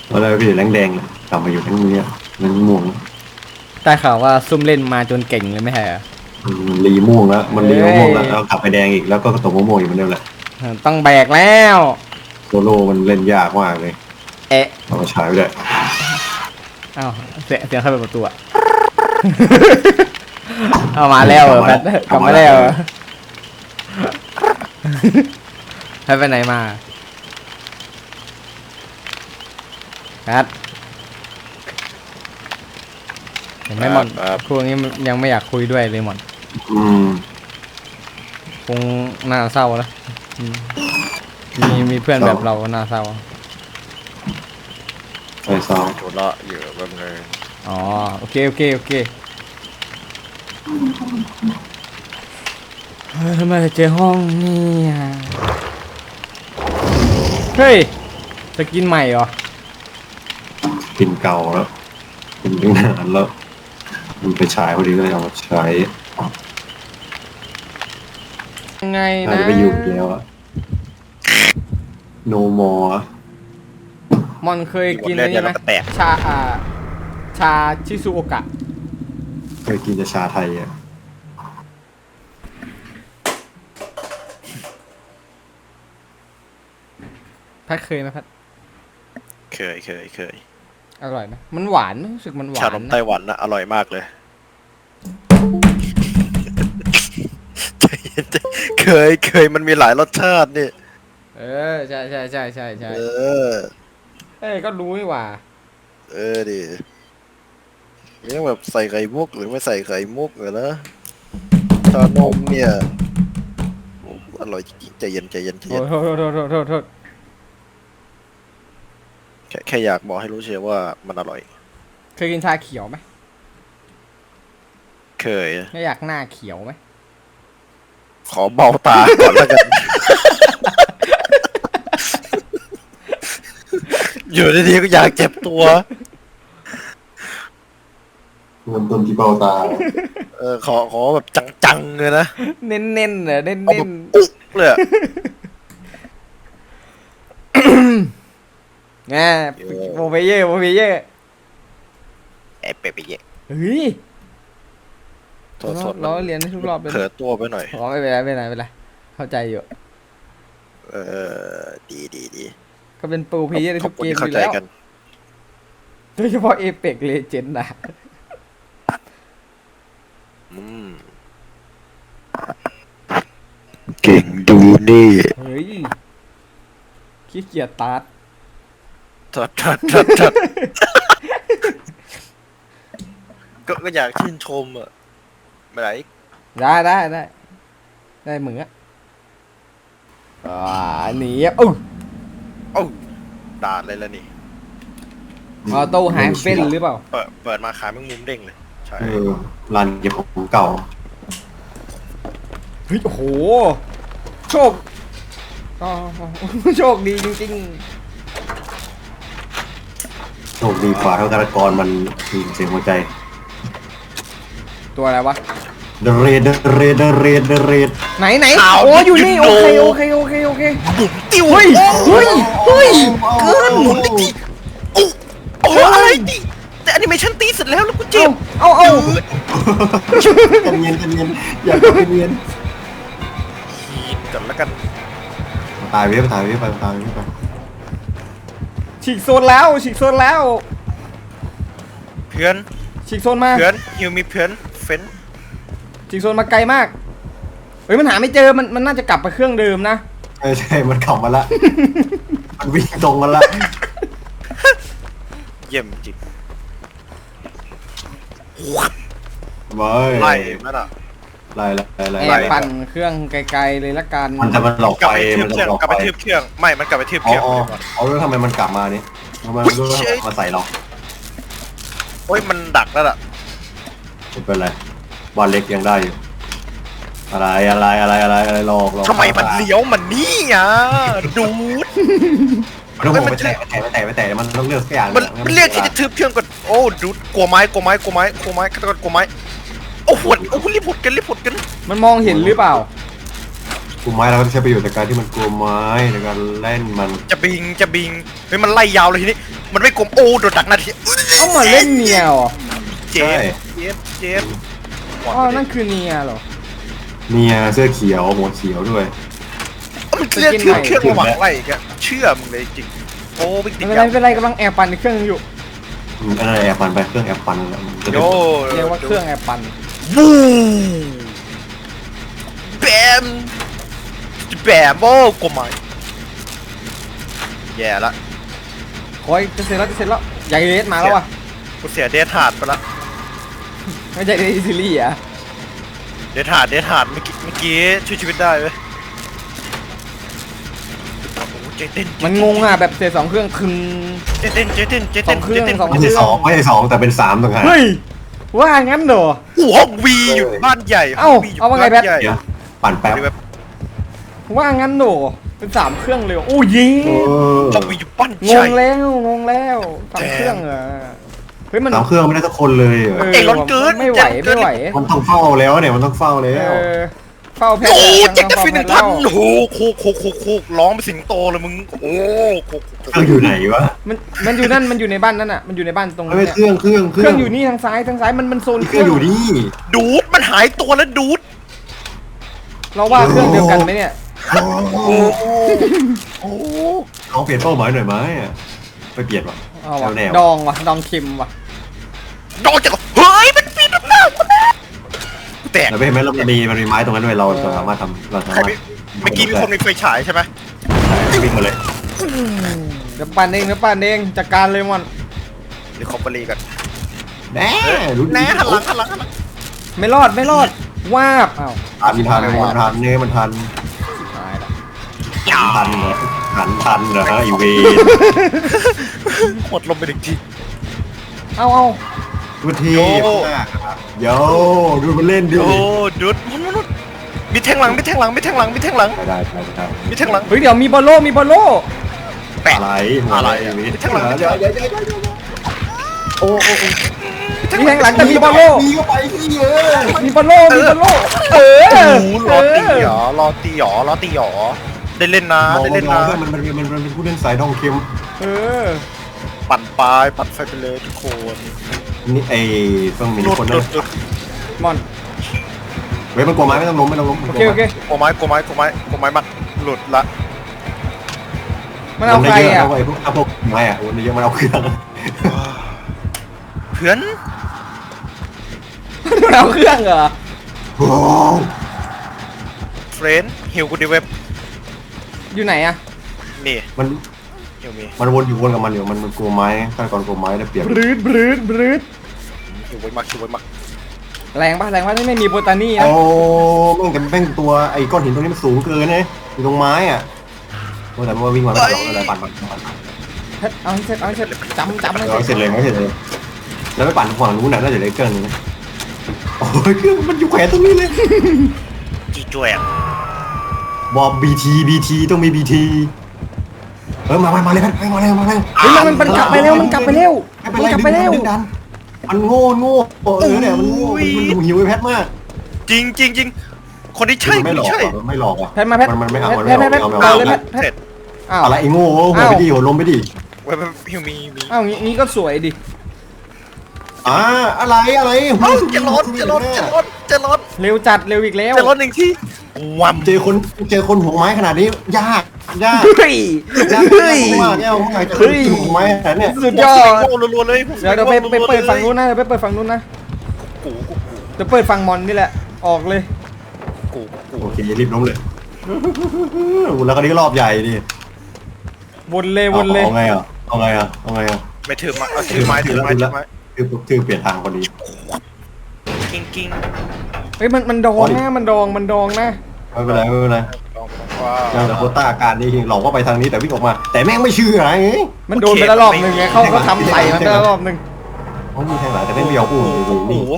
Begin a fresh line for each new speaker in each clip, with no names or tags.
แล้วเราไปอยู่แรงแดงกลับมาอยู่ทั้งนี้มันม่วง
ได้ข่าวว่าซุ่มเล่นมาจนเก่งเลยไม่ใช่เหรอ
รีม่วงแล้วมันรีม่วงแล้วแล้วกลับไปแดงอีกแล้วก็ตกม่วงอยู่เหมือนเดิมแหละ
ต้องแบกแล้ว
โซโล่มันเล่นยากมากเลย
เอ๊ะ
เอามาใช้ไม่ได้
อ้าวเสียงเข้าไปประตูอะ เอามาแล้วแพทกลับมาแล้วแพทไปไหนมาแพทเห็นไหมหมอนพวกนี้ยังไม่อยากคุยด้วยเลยหมอนคงน่าเศร้าแล้วมีเพื่อนแบบเราน่าเศร้า
ใช่ซ้อม
ธุระอยู่แบบนึง
อ๋อโอเคทำไมเจอห้องนี่เฮ้ยจะกินใหม่เหรอ
กินเก่าแล้วกินตั้งนานแล้วมันไปฉายพอดีก็เลยเอามาใช้
ยังไงนะ
น่าจะไปอยู่แล้วอะโนมอ
มอนเคยกินอะไรไหมชาชิซุโอกะ
เคยกินแต่ชาไทยอะ
พัดเคยไหมพัด
เคย
อร่อยไหมมันหวานรู้สึกมันหวาน
ชานมไต้หวันนะอร่อยมากเลยเคยมันมีหลายรสชาตินี่
ใช่
เออ
ก็รู้นี่หว่า
ดิเนี่ยแบบใส่ไข่มุกหรือไม่ใส่ไข่มุกเหรอนะชานมเนี่ยอร่อยจริงใจเย็น
โทษ
แค่อยากบอกให้รู้เชียวว่ามันอร่อย
เคยกินชาเขียวไหม
เคย
ไม่อยากหน้าเขียวไหม
ขอเบาตาก่อนแล้วกันอยู่ดีๆก็อยากเจ็บตัว
เริ่มต้นที่เบ้าตา
ขอแบบจังๆเลยนะ
เน้นเหรอเน้น
อุ๊กเลย
ไงโมเบเย่
เป๊ะ
เฮ้ย
โทษ
เราเรียนทุกรอบเลย
เผลอตัวไปหน่อย
อ๋อไม่เป็นไรเข้าใจอยู่
ดี
ก็เป็นโปรเพลเยอร์ในทุกเกมอยู่แล้วโดยเฉพาะเอเปกเลเจนด์นะ
เก่งดูนี่
เฮ้ยขี้เกียจตัด
ทัดก็อยากชื่นชมอ่ะไม่ไร
ได้เหมือนหนีเอ้า
ด่าเลยแล้วนี่
ออโต้หายเป็นหรือเปล่า
เปิดมาขายแมงมุมเด้งเลยใช่
ร้านเก็บของเก่า
เฮ้ยโอ้โหโชคดีจริง
โชคดีกว่าเท่าการกรมันเสียงหัวใจ
ตัวอะไรวะ
เดเรด
ไหนโอ้อยู่นี่โอเค
ติว
เฮ้ยเกิน
หมุนดิโอ้อะไรดิแต่แอนิเมชั่นตีเสร็จแล้วกูเจ็บ
เอา
กันเย็นอย่ากันเย็น
ขีดกันแล้วกัน
ตายไป
ฉีกโซนแล้ว
เพื่อน
ฉีกโซนมา
เพื่อนฮิวมีเพื่อนเฟ้น
ฉีกโซนมาไกลมากเฮ้ยมันหาไม่เจอมันน่าจะกลับไปเครื่องเดิมนะ
ใช่มันขับมาละมันวิ่งตรงมาละ
เยี่ยมจริง
ไล่
นั่นอ่ะ
ไล่
ปั่นเครื่องไกลๆเลยละกัน
มันจะมาหลอกไป
กลับไปทืบเครื่องไม่มันกลับไปทืบเครื่อง
เอาแล้วทำไมมันกลับมานี่ทำไมมันมาใส่เรา
โอ้ยมันดักแล้วล่ะ
ไม่เป็นไรบอลเล็กยังได้อยู่อะไรหลอก
ทำไมมันเลี้ยวมันนี่อ่ะดูด
มันต้องไปแตะมันต้องเลือกสักอย่าง
มันเรียกที่จะทืบเครื่องก่อนโอ้ดูดกลัวไม้ฆาตกรกลัวไม้โอ้โหรีบผุดกัน
มันมองเห็นหรือเปล่า
กลุ่มไม้เราก็ใช้ประโยชน์จากการที่มันกลัวไม้ในการเล่นมัน
จะบิงเฮ้ยมันไล่ยาวเลยทีนี้มันไม่กลมโอ้โดนดักนาที
เอามาเล่นเนียเหรอ
เจ็บเจ็บ
อ๋อนั่นคือเนียเหรอ
เนี่ยเสื้อเขียวหัวเขียวด้วย
มันเรียกเครื่องระหว่างไรแกเชื่อมึงเลยจริงโอ้ไม่ติ
ไม่
ด
เป็นไรไม่เป็นไรกำลังแอบปั่นในเครื่องอยู่
อะไรแอบปันไปเครื่องแอบปันแล้วมันจะได้
โย่
เรียกว่าเครื่องแอบปั่น
บูแบมแบมโอ้กลมไหมแย่ละ
โอ้ยจะเสร็จแล้วจะเสร็จแล้วใหญ่เลสมาแล้วว่ะ
กูเสียเดทหาดไปละ
ไม่ใช่เลสซีรีส์อ่ะ
เดทหาดเมื่อกี้ช่วยชีวิตได้เว้ยโอ้โหเจเต้น
มันงงอ่ะแบบเสร็จ2เครื่องคึง
เจเต้น
สองเครื่องสอง
ไม่ใช่สองไม่ใช่สองแต่เป็นสามต่างหาก
เฮ้ยว่างั้นเหรอ
โอ้ห้องวีอยู่บ้านใหญ่
เอ้าเอาว่าไงแบท
เดี๋ยวปั่นแป๊บ
ว่างั้นเหรอเป็น3เครื่องเลยโอ้ยิง
ห้องวีอยู่บ้าน
ง
ใหญ่
งแล้ว3เครื่องเหรอเฮ้ยมัน
สามเครื่องไม่ได้สักคนเลยเหรอ
เอ้ยร้อนเกิน
ไม่ไหวไม่ไหว
มันต้องเฝ้าแล้วเนี่ยมันต้องเฝ้าแล้
เอ
ว
อเฝ้าแพท
โอ้
ย์
เจ็ดจะ
เฝ้า
ฟิน
แพ
หนึ่
ท
ง
ย์
พัน
แล้ว
โอ้โหโคกร้องเป็นสิงโตเลยมึงโอ้โคก
เครื่องอยู่ไหนวะ
มันอยู่นั่นมันอยู่ในบ้านนั่นอ่ะมันอยู่ในบ้านตรง
ไม่
นี้
เครื่อง
เครื่องอยู่นี่ทางซ้ายมันโซน
เครื่องอยู่นี่
ดูดมันหายตัวแล้วดูด
เราว่าเครื่องเดียวกันไหมเนี่ย
โอ้โห
โอ้
ลองเปลี่ยนเป้าหมายหน่อยไหมไปเปลี่ยนวะ
เอาว่ะ
แนว
ดองว่ะดองเค็มว่ะ
ดอกจากเฮ้ยมันปีนหน้าแตก
แล้วเห็นไหมเรามันมีไม้ตรงนั้นด้วยเราสามารถทำเราสามารถ
เมื่อกี้มีคนมีไฟฉายใช่ไหม
วิ่งมาเลย
เดี๋ยวปั่นเองจัดการเลยมัน
เดี๋ยวคอมเบอรี่กัน
แน่รู้ดี
แน่หันหลัง
ไม่รอดวาบอ้าว
ทันเนี่ยมันทัน
ตายละ
ทันเหรอทันเหรอฮะอีเวน
หมดลมไปหนึ่งที
เอา
ดูทีโยดูมันเล่นดิ
โอ้ดูดมันมีแทงหลัง
ได้
มีแทงหลัง
เฮ้ยเดี๋ยวมีบอลโล่
แปะ
อะไร
มีแทงหลัง
โอ้
มีแทงหลังแต่มีบอลโล่
มีก็ไปที่เยอะ
มีบอลโล่เออ
รอตีหรอได้เล่นนะ
มันเป็นผู้เล่นสายดองเค็ม
เออ
ปั่นปลายปั่นไฟไปเลยทุกคน
นี่ไอ้ต้องมี
หลุด
คน
ห
นะ
ลุด
มอน
เว้ยมันกลัวไม้ไม่ต้องล้ม
โอเค
โกไม้มันหลุดละ
มันเอาใครอ่ะ
ไอ้พวกไม้อ่ะมันเยอะมันเอาเครื่อง
เพื่อน
มันเอาเครื่องเหรอ
โอ้
เฟรนฮิวกูดีเว็บ
อยู่ไหนอ่ะ
นี่
มัน
ฮิวมี
มันวนกับมันอยู่มันกลัวไม้ขั้นก่อนกลัวไม้ได้เปรียบบ
รืด
ฮิวไว้มาก
แรงป่ะไม่มีโบตานี่นะ
โอ้แม่งตัวไอ้ก้อนหินตรงนี้มันสูงเกินนะอยู่ตรงไม้อ่ะแต่มันวิ่งมาไม่ตลอดเลยปั่น
เอาให้เสร็จจำให้
เสร็จเลยแล้วไปปั่นฝั่งนู้นน่ะน่าจะได้เครื่องนึงโอ้ยเครื่องมันอยู่แขวนตรงนี้เลย
จีจวยอ่ะ
บอกBT ต้องมี BT มาเลยมาเลย
เฮ้ยมันกลับไปเร็วมันกลับไปเร็ว
มันโง่เนี่ยมันโง่มันหิวไอ้แพทมาก
จริงคนที่ใช่
ไม่หลอกอ่ะ
แพทมาแพท
มันไม่เอา
เอาเลยแพทอ้าว
อะไรไอ้โง่หัวไปดิหัวลมไปดิ
เว็บฮิวมี
อ้าวงี้ก็สวยดิ
อะไร
จะร้อน
เร็วจัดเร็วอีกแล้ว
จะร้อนหนึ่งที่วัม
เจอคนหัวไม้ขนาดนี้ยาก
เฮ้ย
มากเนี่ยผมอยากจะหัวไม้ขนาดเนี้ย
สุดยอด
รัวเลย
เดี๋ยวไปเปิดฝั่งนู้นนะไปเปิดฝั่งนู้นนะเดี๋ยวเปิดฝั่งมอนนี่แหละออกเลย
โอเครีบล้มเลยแล้วก็นี้รอบใหญ่ดิ
วนเลย
เอาไงอ่ะ
ไม่ถือมาเอาถือไม้
คือเปลี่ยนทางพอดี
กิ้ง
เฮ้ยมันดองนะมันดองนะ
ไม่เป็นไรยังแต่โคต้าการนี่หลอกว่าไปทางนี้แต่วิ่งออกมา แต่แม่งไม่เชื่อไง
มันโดนไปแล้วรอบนึงไงเขาทำใส่มันไปแล้วรอบนึง
เขามีแทงหลังแต่ไม่เบี้ยวอุ้ม
โอ้โห
นี่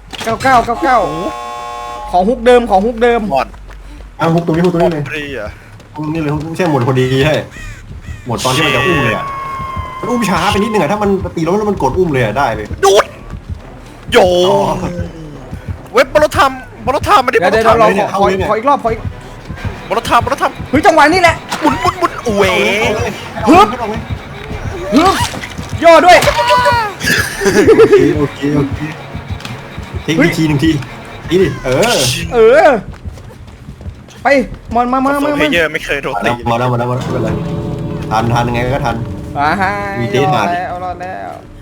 99ของฮุกเดิม
หมด
อ้าวฮุกตรงนี้เลย
ปรีอ่ะ
นี่เลยไม่ใช่หมดพอดีใช่หมดตอนที่มันจะอุ้มเลยอ่ะมันอุ้มช้าไปนิดนึงอ่ะถ้ามันตีแล้วมันกดอุ้มเลยได้เลย
ดูดโยเว็บบอลทำไม่ได้บอล
เดี๋ยว
ทำ
เราขออีกรอบบ
อลทำ
เฮ้ยจังหวะนี้แหละ
หมุนเว
ฮึบอด้วย
โอเคทิ้งอีกทีหนึ่งทีนี่ดิ
เออไปมอนมา
โซเพเยอร์ไม่เคยโดนตี
มาแล้วไม่เป็นไรทันยังไงก็ทัน
อ่าฮะ
มีเท
ร
ส
อ
มา
ดแล้ว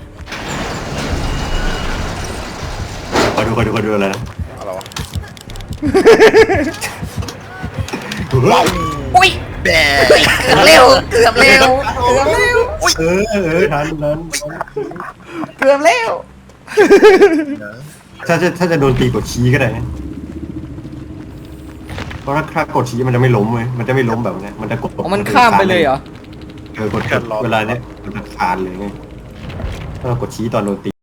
คอยดูอะไรนะ
อะไรวะ
อุ้ย
แบ
เกือบเร็ว
ทัน
เกือบเร็ว
ถ้าจะโดนตีกดชี้ก็ได้นะเพราะถ้ากดชี้มันจะไม่ล้มเลยมันจะไม่ล้มแบบนี้มันจะกด
มันข้ามไปเลยเหรอ
กดเวลาเนี้ยมันจะคานเลยไงถ้าเรากดชี้ตอนโดนตี